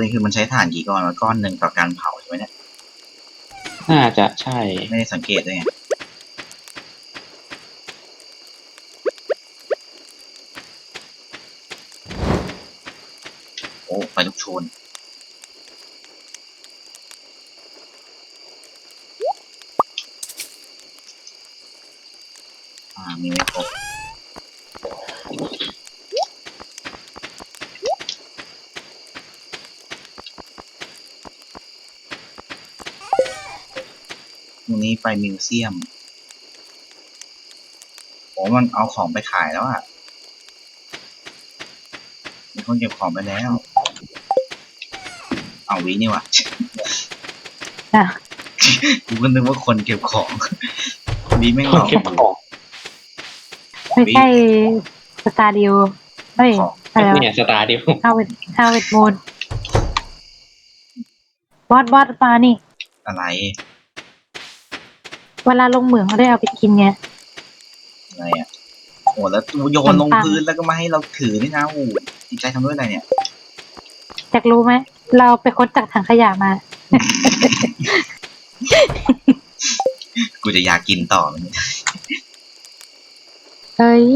ด็นคือมันใช้ถ่านกี่ก้อนก้อนหนึ่งต่อการเผาใช่ไหมเนี่ยน่าจะใช่ไม่ได้สังเกตด้วยไงโอ้ไฟลุกโชนมีไม่ครบวันนี้ไปมิวเซียมโอ้มันเอาของไปขายแล้วอ่ะมีคนเก็บของไปแล้วเอาวินี่ว่ะจ้ะกูก็นึกว่าคนเก็บของวิแม่งคหลนอกเก็บของไม่ใช่สตาร์ดิวเฮ้ยของอะไรวะเนี่ยสตาร์ดิวฮาวเวิร์ดมูนบอสมานี่อะไรเวลาลงเหมืองเขาได้เอาไปกินไงอะไรอ่ะโอ้แล้วโยนลงพื้นแล้วก็มาให้เราถือนี่นะโอ้จิตใจทำด้วยอะไรเนี่ยอยากรู้ไหม เราไปค้นจากถังขยะมากูจะอยากกินต่อมันเฮ้ย